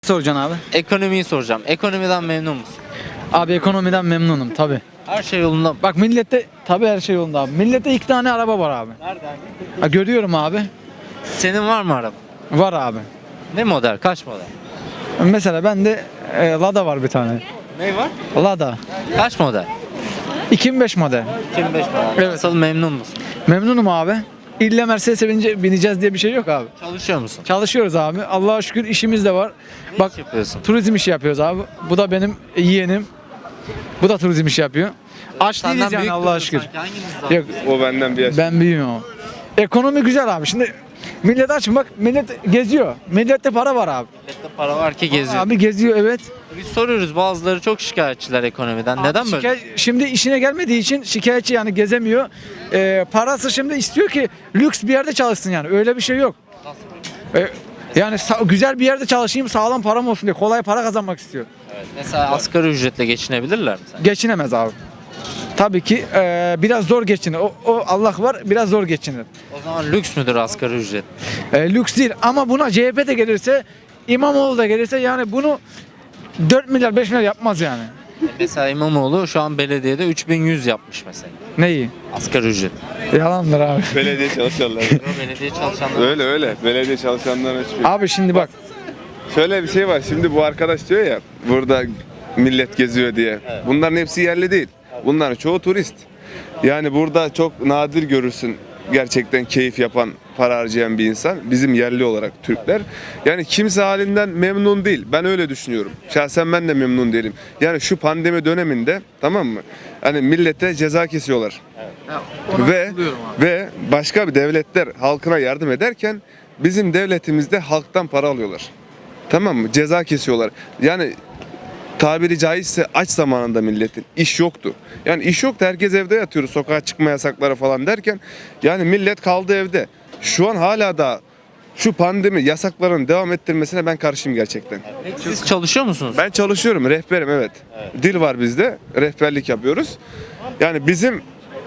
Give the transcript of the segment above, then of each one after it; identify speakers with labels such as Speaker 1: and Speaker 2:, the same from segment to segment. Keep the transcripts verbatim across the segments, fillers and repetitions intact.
Speaker 1: Soracaksın abi?
Speaker 2: Ekonomiyi soracağım. Ekonomiden memnun musun?
Speaker 1: Abi ekonomiden memnunum tabi.
Speaker 2: Her şey yolunda mı?
Speaker 1: Bak millette tabi her şey yolunda abi. Millette iki tane araba var abi.
Speaker 2: Nereden?
Speaker 1: Ha, görüyorum abi.
Speaker 2: Senin var mı araba?
Speaker 1: Var abi.
Speaker 2: Ne model? Kaç model?
Speaker 1: Mesela bende e, Lada var bir tane.
Speaker 2: Ne var?
Speaker 1: Lada.
Speaker 2: Kaç model?
Speaker 1: iki bin beş model.
Speaker 2: iki bin beş model.
Speaker 1: Evet.
Speaker 2: Nasıl, memnun musun?
Speaker 1: Memnunum abi. İlle Mercedes'e binince, bineceğiz diye bir şey yok abi.
Speaker 2: Çalışıyor musun?
Speaker 1: Çalışıyoruz abi. Allah'a şükür işimiz de var.
Speaker 2: Ne
Speaker 1: Bak
Speaker 2: iş yapıyorsun?
Speaker 1: turizm işi yapıyoruz abi. Bu da benim yeğenim. Bu da turizm işi yapıyor. Aç değiliz
Speaker 2: Senden
Speaker 1: yani
Speaker 2: büyük
Speaker 1: Allah'a
Speaker 2: duruyor
Speaker 1: şükür.
Speaker 2: sanki. Hanginiz daha
Speaker 1: Yok
Speaker 2: büyük?
Speaker 3: O benden bir yaş.
Speaker 1: ben büyüğüm ama. Ekonomi güzel abi. Şimdi millet aç bak millet geziyor. Millette para var abi.
Speaker 2: Millette para var ki geziyor.
Speaker 1: Abi geziyor evet.
Speaker 2: Biz soruyoruz, bazıları çok şikayetçiler ekonomiden. Neden
Speaker 1: Abi
Speaker 2: böyle?
Speaker 1: şikayet- Şimdi işine gelmediği için şikayetçi yani gezemiyor. Ee, parası şimdi istiyor ki lüks bir yerde çalışsın yani. Öyle bir şey yok. Ee, yani sa- güzel bir yerde çalışayım sağlam param olsun diye kolay para kazanmak istiyor.
Speaker 2: Evet. Mesela asgari ücretle geçinebilirler mi sen?
Speaker 1: Geçinemez abi. Tabii ki e, biraz zor geçinir. O, o Allah var biraz zor geçinir.
Speaker 2: O zaman lüks müdür asgari ücret?
Speaker 1: E, lüks değil ama buna C H P de gelirse İmamoğlu da gelirse yani bunu dört milyar beş milyar yapmaz yani.
Speaker 2: Mesela İmamoğlu şu an belediyede üç bin yüz yapmış mesela.
Speaker 1: Neyi?
Speaker 2: Asgari ücret.
Speaker 1: Yalandır abi.
Speaker 3: Belediye çalışanlar.
Speaker 2: Belediye çalışanları.
Speaker 3: öyle öyle. Belediye çalışanların hiçbir.
Speaker 1: Abi şimdi bak.
Speaker 3: Şöyle bir şey var. Şimdi bu arkadaş diyor ya burada millet geziyor diye. Bunların hepsi yerli değil. Bunların çoğu turist. Yani burada çok nadir görürsün gerçekten keyif yapan, para harcayan bir insan. Bizim yerli olarak Türkler. Yani kimse halinden memnun değil. Ben öyle düşünüyorum. Şahsen ben de memnun değilim. Yani şu pandemi döneminde tamam mı? Hani millete ceza kesiyorlar. Ve ve başka bir devletler halkına yardım ederken bizim devletimizde halktan para alıyorlar. Tamam mı? Ceza kesiyorlar. Yani tabiri caizse aç zamanında milletin iş yoktu. Yani iş yoktu. Herkes evde yatıyordu. Sokağa çıkma yasakları falan derken yani millet kaldı evde. Şu an hala da şu pandemi yasakların devam ettirmesine ben karşıyım gerçekten.
Speaker 2: Peki siz çalışıyor musunuz?
Speaker 3: Ben çalışıyorum, rehberim evet. Dil var bizde, rehberlik yapıyoruz. Yani bizim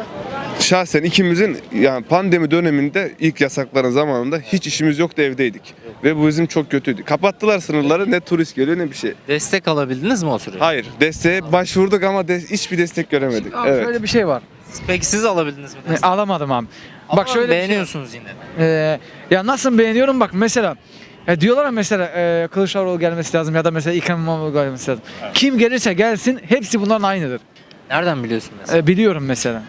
Speaker 3: şahsen ikimizin yani pandemi döneminde ilk yasakların zamanında hiç işimiz yoktu, evdeydik. Ve bu bizim çok kötüydü. Kapattılar sınırları, ne turist geliyor ne bir şey.
Speaker 2: Destek alabildiniz mi o sürece?
Speaker 3: Hayır, desteğe başvurduk ama de, hiçbir destek göremedik.
Speaker 1: Abi
Speaker 3: Evet.
Speaker 1: şöyle bir şey var.
Speaker 2: Peki siz alabildiniz mi
Speaker 1: E,
Speaker 2: destek?
Speaker 1: alamadım abi.
Speaker 2: Ama
Speaker 1: Bak şöyle bir şey var.
Speaker 2: beğeniyorsunuz yine.
Speaker 1: Ee, ya nasıl beğeniyorum bak mesela e, diyorlar ya mesela e, Kılıçdaroğlu gelmesi lazım ya da mesela İkrem İmamoğlu gelmesi lazım. Kim gelirse gelsin hepsi bunların aynıdır.
Speaker 2: Nereden biliyorsun mesela?
Speaker 1: E, biliyorum mesela.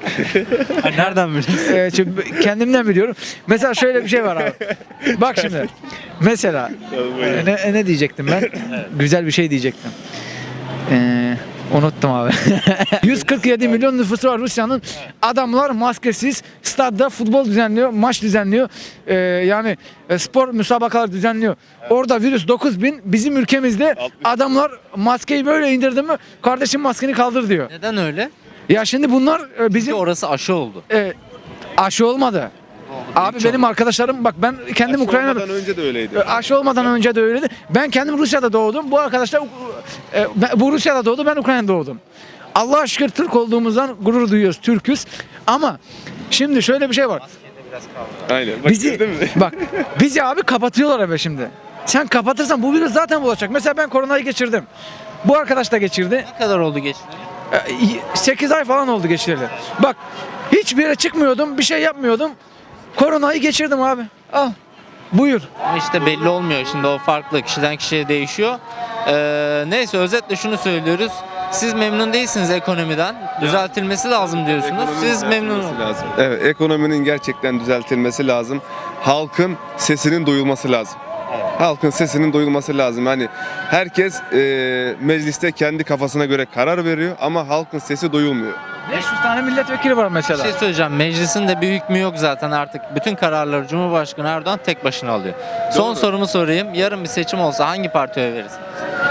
Speaker 2: Ay, nereden biliyorsun?
Speaker 1: E, çünkü kendimden biliyorum. Mesela şöyle bir şey var abi. Bak şimdi. Mesela e, ne, e, ne diyecektim ben? Güzel bir şey diyecektim. Eee Unuttum abi. yüz kırk yedi milyon nüfusu var Rusya'nın. Adamlar maskesiz stadda futbol düzenliyor, maç düzenliyor. Ee, yani e, spor müsabakalar düzenliyor. Orada virüs dokuz bin, bizim ülkemizde adamlar maskeyi böyle indirdi mi kardeşim maskeni kaldır diyor.
Speaker 2: Neden öyle?
Speaker 1: Ya şimdi bunlar e,
Speaker 2: Çünkü
Speaker 1: bizim
Speaker 2: orası aşı oldu.
Speaker 1: e, aşı olmadı. Abi benim arkadaşlarım bak ben kendim
Speaker 3: Aşı
Speaker 1: Ukrayna'da
Speaker 3: olmadan önce de öyleydi.
Speaker 1: E, aşı olmadan önce de öyleydi. Ben kendim Rusya'da doğdum. Bu arkadaşlar e, ben- bu Rusya'da doğdu. Ben Ukrayna'da doğdum. Allah'a şükür Türk olduğumuzdan gurur duyuyoruz. Türküz. Ama şimdi şöyle bir şey var.
Speaker 3: Aynen. Bak,
Speaker 1: Bizi
Speaker 3: gördün mü?
Speaker 1: bak bizi abi kapatıyorlar eve şimdi. Sen kapatırsan bu virüs zaten bulaşacak. Mesela ben koronayı geçirdim. Bu arkadaş da geçirdi.
Speaker 2: Ne kadar oldu geçti?
Speaker 1: sekiz ay falan oldu geçireli. Bak hiçbir yere çıkmıyordum. Bir şey yapmıyordum. Koronayı geçirdim abi. Al. Buyur.
Speaker 2: Ama işte belli olmuyor. Şimdi o farklı. Kişiden kişiye değişiyor. Ee, neyse özetle şunu söylüyoruz. Siz memnun değilsiniz ekonomiden. Düzeltilmesi lazım diyorsunuz.
Speaker 3: Ekonominin
Speaker 2: Siz memnun
Speaker 3: düzeltilmesi
Speaker 2: olun.
Speaker 3: lazım. Evet, ekonominin gerçekten düzeltilmesi lazım. Halkın sesinin duyulması lazım. Halkın sesinin duyulması lazım. Hani herkes e, mecliste kendi kafasına göre karar veriyor ama halkın sesi duyulmuyor.
Speaker 1: beş yüz tane milletvekili var
Speaker 2: Bir
Speaker 1: mesela.
Speaker 2: şey söyleyeceğim. Meclisin de bir hükmü yok zaten artık. Bütün kararları Cumhurbaşkanı Erdoğan tek başına alıyor. Son sorumu sorayım. Yarın bir seçim olsa hangi partiye oy verirsiniz?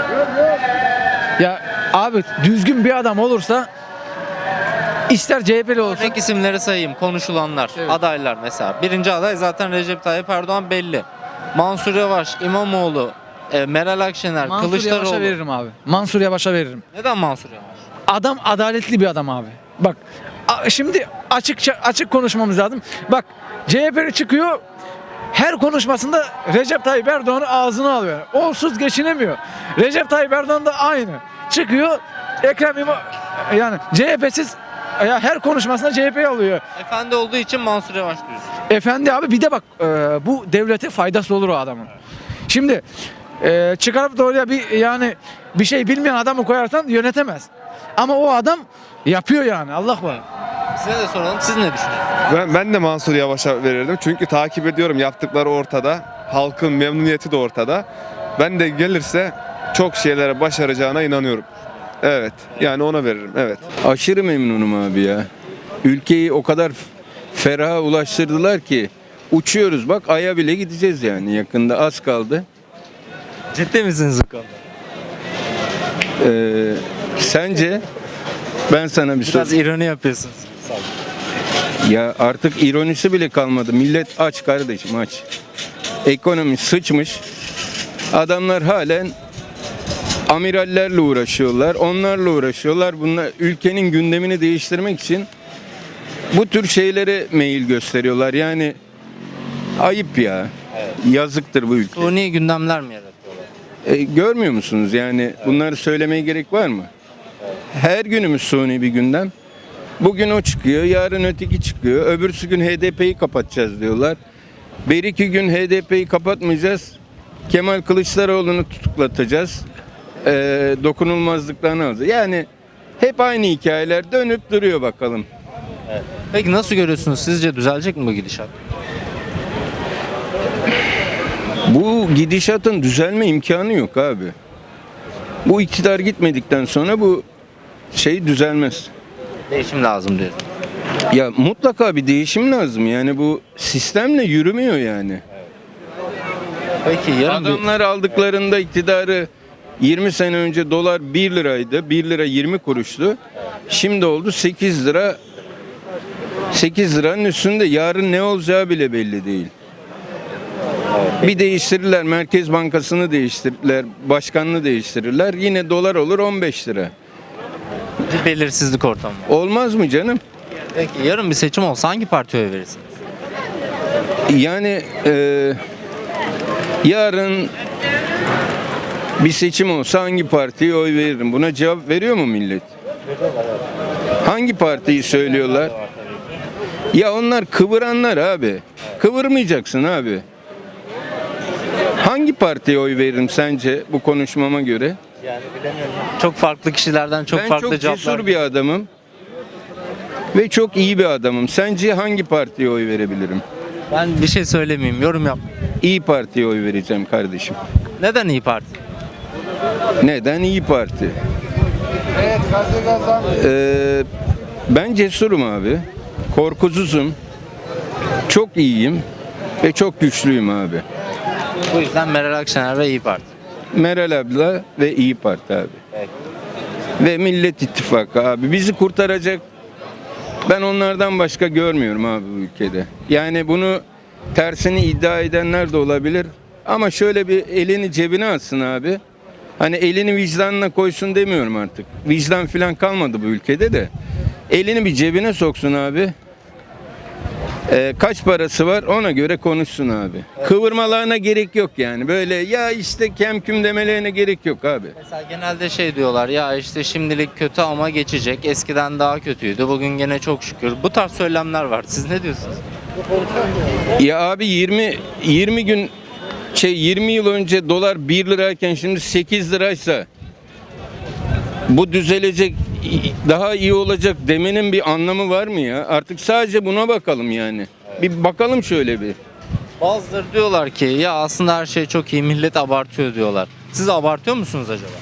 Speaker 1: Ya abi düzgün bir adam olursa ister C H P'li olsun.
Speaker 2: Örnek isimleri sayayım. Konuşulanlar,
Speaker 1: Evet.
Speaker 2: adaylar mesela. Birinci aday zaten Recep Tayyip Erdoğan belli. Mansur Yavaş, İmamoğlu, e, Meral Akşener,
Speaker 1: Mansur
Speaker 2: Kılıçdaroğlu.
Speaker 1: Yavaş'a veririm abi. Mansur Yavaş'a veririm.
Speaker 2: Neden Mansur Yavaş?
Speaker 1: Adam adaletli bir adam abi. Bak a- şimdi açıkça açık konuşmamız lazım. Bak C H P'li çıkıyor her konuşmasında Recep Tayyip Erdoğan'ı ağzına alıyor. Onsuz geçinemiyor. Recep Tayyip Erdoğan da aynı. Çıkıyor Ekrem İmam yani C H P'siz ya her konuşmasında C H P'yi alıyor.
Speaker 2: Efendi olduğu için Mansur Yavaş diyorsun.
Speaker 1: Efendi abi bir de bak e, bu devlete faydası olur o adamın. Şimdi e, çıkarıp da oraya bir yani bir şey bilmeyen adamı koyarsan yönetemez. Ama o adam yapıyor yani Allah var.
Speaker 2: Size de soralım. Siz ne düşünüyorsunuz?
Speaker 3: Ben, ben de Mansur Yavaş'a verirdim. Çünkü takip ediyorum, yaptıkları ortada. Halkın memnuniyeti de ortada. Ben de gelirse çok şeylere başaracağına inanıyorum. Evet. Yani ona veririm. Evet.
Speaker 4: Aşırı memnunum abi ya. Ülkeyi o kadar feraha ulaştırdılar ki uçuyoruz, bak Ay'a bile gideceğiz yani, yakında az kaldı.
Speaker 2: Ciddi misiniz bu konuda?
Speaker 4: Ee, sence ben sana bir
Speaker 2: Biraz
Speaker 4: soru.
Speaker 2: ironi yapıyorsunuz.
Speaker 4: Ya artık ironisi bile kalmadı. Millet aç kardeşim, aç. Ekonomi sıçmış. Adamlar halen amirallerle uğraşıyorlar. Onlarla uğraşıyorlar. Bunlar ülkenin gündemini değiştirmek için bu tür şeylere meyil gösteriyorlar. Yani ayıp ya. Yazıktır bu ülke.
Speaker 2: Suni gündemler mi yaratıyorlar?
Speaker 4: E, görmüyor musunuz yani, bunları söylemeye gerek var mı? Her günümüz suni bir gündem. Bugün o çıkıyor, yarın öteki çıkıyor. Öbürsü gün H D P'yi kapatacağız diyorlar. Bir iki gün H D P'yi kapatmayacağız. Kemal Kılıçdaroğlu'nu tutuklatacağız. E, dokunulmazlıklarını alacağız. Yani hep aynı hikayeler dönüp duruyor bakalım.
Speaker 2: Peki nasıl görüyorsunuz? Sizce düzelecek mi bu gidişat?
Speaker 4: Bu gidişatın düzelme imkanı yok abi. Bu iktidar gitmedikten sonra bu şey düzelmez.
Speaker 2: Değişim lazım diyorsun.
Speaker 4: Ya mutlaka bir değişim lazım. Yani bu sistemle yürümüyor yani.
Speaker 2: Peki yarın bir...
Speaker 4: Adamlar aldıklarında iktidarı yirmi sene önce dolar bir liraydı. bir lira yirmi kuruştu. Şimdi oldu sekiz lira. sekiz liranın üstünde. Yarın ne olacağı bile belli değil. Bir değiştirirler. Merkez Bankası'nı değiştirirler. Başkanını değiştirirler. Yine dolar olur on beş lira.
Speaker 2: bir belirsizlik ortamı var.
Speaker 4: Olmaz mı canım?
Speaker 2: Peki yarın bir seçim olsa hangi partiye oy verirsiniz?
Speaker 4: Yani e, yarın bir seçim olsa hangi partiye oy veririm? Buna cevap veriyor mu millet? Hangi partiyi söylüyorlar? Ya onlar kıvıranlar abi. Kıvırmayacaksın abi. Hangi partiye oy veririm sence bu konuşmama göre?
Speaker 2: Yani bilemiyorum. Çok farklı kişilerden çok
Speaker 4: ben
Speaker 2: farklı
Speaker 4: çok
Speaker 2: cevaplar.
Speaker 4: cesur bir adamım. Ve çok iyi bir adamım. Sence hangi partiye oy verebilirim?
Speaker 2: Ben bir şey söylemeyeyim, yorum yap.
Speaker 4: İyi Parti'ye oy vereceğim kardeşim.
Speaker 2: Neden İyi Parti?
Speaker 4: Neden İyi Parti? Ee, ben cesurum abi. Korkusuzum. Çok iyiyim. Ve çok güçlüyüm abi.
Speaker 2: Bu yüzden Meral Akşener ve İyi Parti.
Speaker 4: Meral abla ve İyi Parti abi.
Speaker 2: Evet.
Speaker 4: Ve Millet İttifakı abi. Bizi kurtaracak, ben onlardan başka görmüyorum abi bu ülkede. Yani bunu tersini iddia edenler de olabilir. Ama şöyle bir elini cebine atsın abi. Hani elini vicdanına koysun demiyorum artık. Vicdan falan kalmadı bu ülkede de. Elini bir cebine soksun abi. Ee, kaç parası var ona göre konuşsun abi. Kıvırmalarına gerek yok yani. Böyle ya işte kemküm demelerine gerek yok abi.
Speaker 2: Mesela genelde şey diyorlar ya işte şimdilik kötü ama geçecek. Eskiden daha kötüydü. Bugün gene çok şükür. Bu tarz söylemler var. Siz ne diyorsunuz?
Speaker 4: Ya abi yirmi yirmi gün şey yirmi yıl önce dolar bir lirayken şimdi sekiz liraysa bu düzelecek, daha iyi olacak demenin bir anlamı var mı ya? Artık sadece buna bakalım yani. Bir bakalım şöyle bir.
Speaker 2: Bazıları diyorlar ki ya aslında her şey çok iyi, millet abartıyor diyorlar. Siz abartıyor musunuz acaba?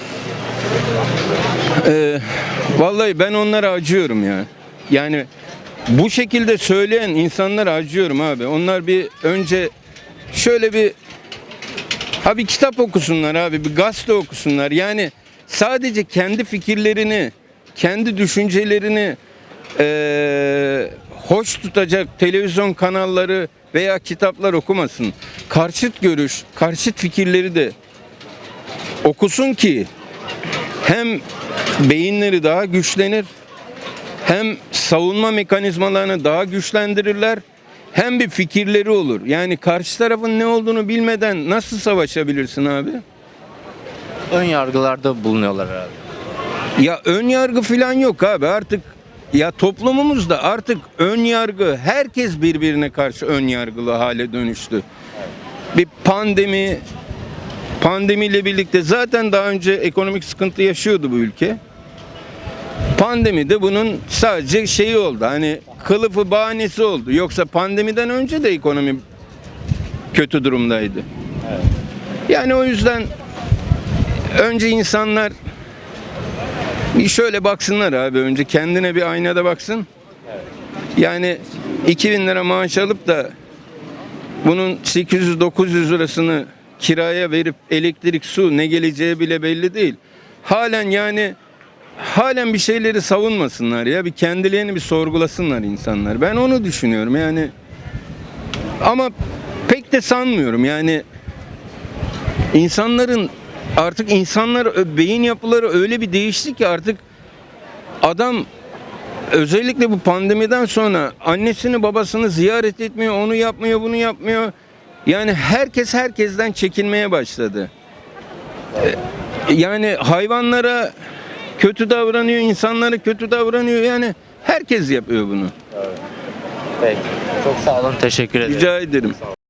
Speaker 4: Ee, vallahi ben onlara acıyorum ya. Yani bu şekilde söyleyen insanlara acıyorum abi. Onlar bir önce şöyle bir ha bir kitap okusunlar abi, bir gazete okusunlar. Yani sadece kendi fikirlerini, kendi düşüncelerini eee, hoş tutacak televizyon kanalları veya kitaplar okumasın. Karşıt görüş, karşıt fikirleri de okusun ki hem beyinleri daha güçlenir, hem savunma mekanizmalarını daha güçlendirirler, hem bir fikirleri olur. Yani karşı tarafın ne olduğunu bilmeden nasıl savaşabilirsin abi?
Speaker 2: Ön yargılarda bulunuyorlar herhalde.
Speaker 4: Ya ön yargı falan yok abi artık. Ya toplumumuzda artık ön yargı, herkes birbirine karşı ön yargılı hale dönüştü. Bir pandemi, pandemiyle birlikte zaten daha önce ekonomik sıkıntı yaşıyordu bu ülke. Pandemi de bunun sadece şeyi oldu. Hani kılıfı bahanesi oldu. Yoksa pandemiden önce de ekonomi kötü durumdaydı. Yani o yüzden önce insanlar bir şöyle baksınlar abi, önce kendine bir aynada baksın. Yani iki bin lira maaş alıp da bunun sekiz yüz dokuz yüz lirasını kiraya verip elektrik, su ne geleceği bile belli değil. Halen yani halen bir şeyleri savunmasınlar ya, bir kendilerini bir sorgulasınlar insanlar. Ben onu düşünüyorum yani. Ama pek de sanmıyorum yani. İnsanların artık insanlar beyin yapıları öyle bir değişti ki artık adam özellikle bu pandemiden sonra annesini babasını ziyaret etmiyor, onu yapmıyor, bunu yapmıyor. Yani herkes herkesten çekinmeye başladı. Yani hayvanlara kötü davranıyor, insanlara kötü davranıyor. Yani herkes yapıyor bunu.
Speaker 2: Peki. Çok sağ olun. Teşekkür ederim.
Speaker 4: Rica ederim.